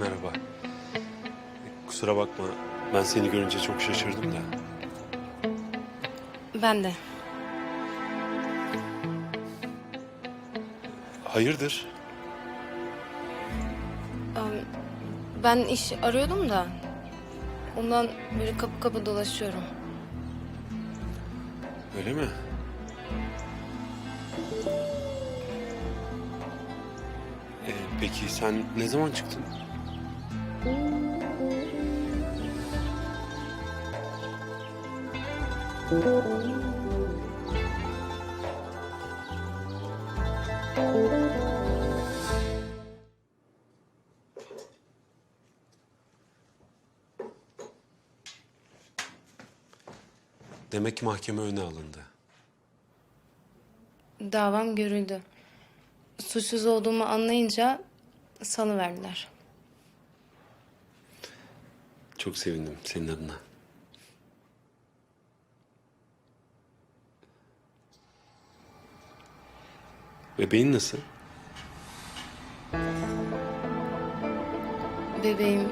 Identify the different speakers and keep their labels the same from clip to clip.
Speaker 1: Merhaba. Kusura bakma. Ben seni görünce çok şaşırdım da.
Speaker 2: Ben de.
Speaker 1: Hayırdır?
Speaker 2: Ben iş arıyordum da. Ondan böyle kapı kapı dolaşıyorum.
Speaker 1: Öyle mi? Peki sen ne zaman çıktın? Demek ki mahkeme önüne alındı.
Speaker 2: Davam görüldü. Suçsuz olduğumu anlayınca salıverdiler.
Speaker 1: Çok sevindim senin adına. Bebeğin nasıl?
Speaker 2: Bebeğim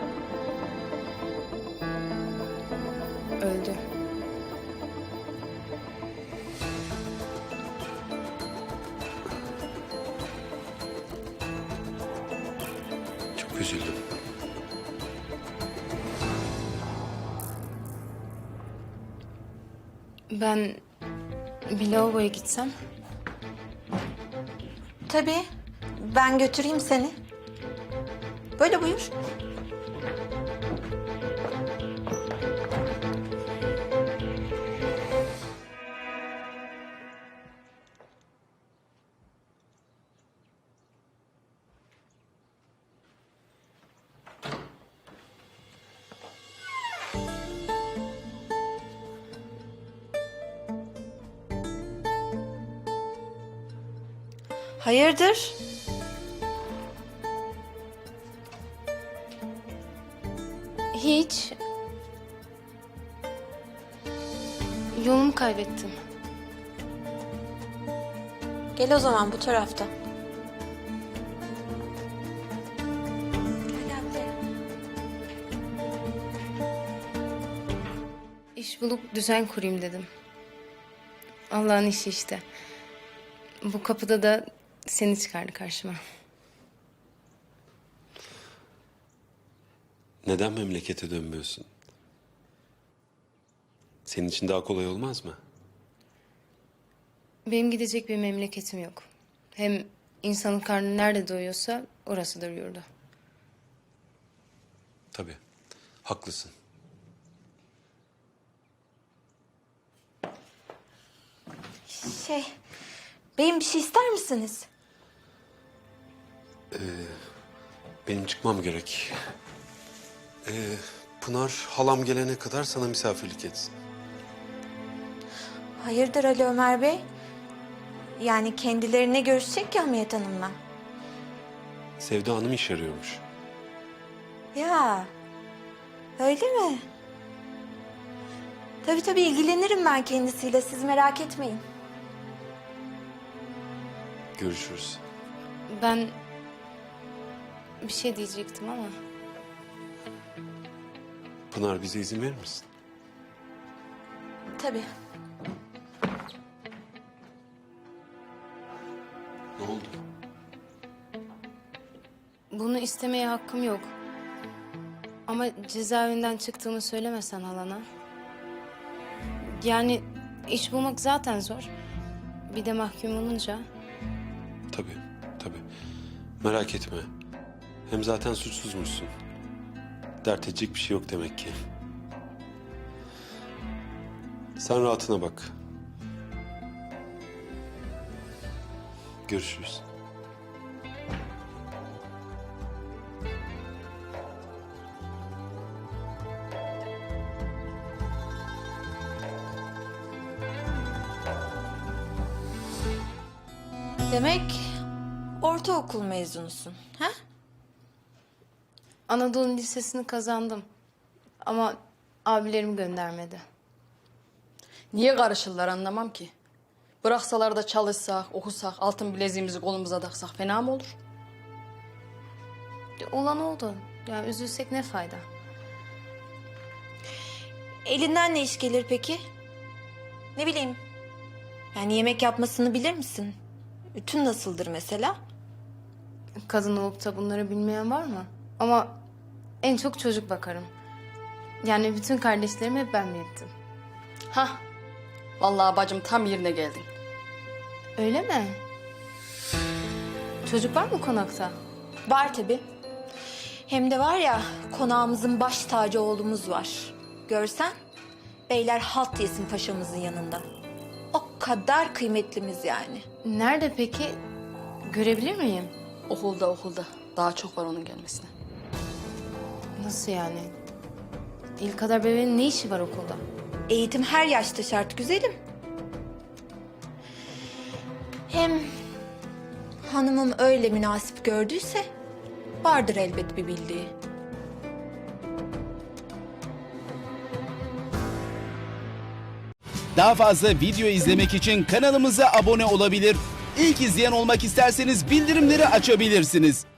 Speaker 2: öldü.
Speaker 1: Çok üzüldüm.
Speaker 2: Ben bir lavaboya gitsem.
Speaker 3: Tabii. Ben götüreyim seni. Böyle buyur. Hayırdır?
Speaker 2: Hiç. Yolumu kaybettim.
Speaker 3: Gel o zaman bu tarafta. Gel ablaya.
Speaker 2: İş bulup düzen kurayım dedim. Allah'ın işi işte. Bu kapıda da seni çıkardı karşıma.
Speaker 1: Neden memlekete dönmüyorsun? Senin için daha kolay olmaz mı?
Speaker 2: Benim gidecek bir memleketim yok. Hem insanın karnı nerede doyuyorsa orasıdır yurdu.
Speaker 1: Tabii. Haklısın.
Speaker 3: Beyim bir şey ister misiniz?
Speaker 1: Benim çıkmam gerek. Pınar halam gelene kadar sana misafirlik etsin.
Speaker 3: Hayırdır Ali Ömer Bey? Yani kendilerine görüşecek ya Hamiyet Hanım'la.
Speaker 1: Sevda Hanım iş arıyormuş.
Speaker 3: Ya, öyle mi? Tabii ilgilenirim ben kendisiyle. Siz merak etmeyin.
Speaker 1: Görüşürüz.
Speaker 2: Ben bir şey diyecektim ama
Speaker 1: Pınar bize izin verir misin?
Speaker 3: Tabii.
Speaker 1: Ne oldu?
Speaker 2: bunu istemeye hakkım yok. Ama cezaevinden çıktığımı söylemesen halana. Yani iş bulmak zaten zor. Bir de mahkum olunca.
Speaker 1: Tabii, tabii. Merak etme. Hem zaten suçsuzmuşsun. Dert edecek bir şey yok demek ki. Sen rahatına bak. Görüşürüz.
Speaker 3: Demek ortaokul mezunusun, ha?
Speaker 2: Anadolu Lisesi'ni kazandım. Ama abilerim göndermedi.
Speaker 4: Niye karışırlar anlamam ki. Bıraksalar da çalışsak, okusak, altın bileziğimizi kolumuza taksak fena mı olur?
Speaker 2: Olan oldu. Ya üzülsek ne fayda?
Speaker 3: Elinden ne iş gelir peki? Ne bileyim. Yani yemek yapmasını bilir misin? Ütün nasıldır mesela?
Speaker 2: Kadın olup da bunları bilmeyen var mı? Ama en çok çocuk bakarım. Yani bütün kardeşlerimi hep ben büyüttüm.
Speaker 4: Hah. Vallahi bacım tam yerine geldin.
Speaker 2: Öyle mi? Çocuk var mı konakta?
Speaker 3: Var tabii. Hem de var ya, konağımızın baş tacı oğlumuz var. Görsen beyler halt yesin paşamızın yanında. O kadar kıymetlimiz yani.
Speaker 2: Nerede peki? Görebilir miyim?
Speaker 4: Okulda. Daha çok var onun gelmesine.
Speaker 2: Nasıl yani? İlk kadar bebeğin ne işi var okulda?
Speaker 3: Eğitim her yaşta şart güzelim. Hem hanımım öyle münasip gördüyse vardır elbet bir bildiği.
Speaker 5: Daha fazla video izlemek için kanalımıza abone olabilir. İlk izleyen olmak isterseniz bildirimleri açabilirsiniz.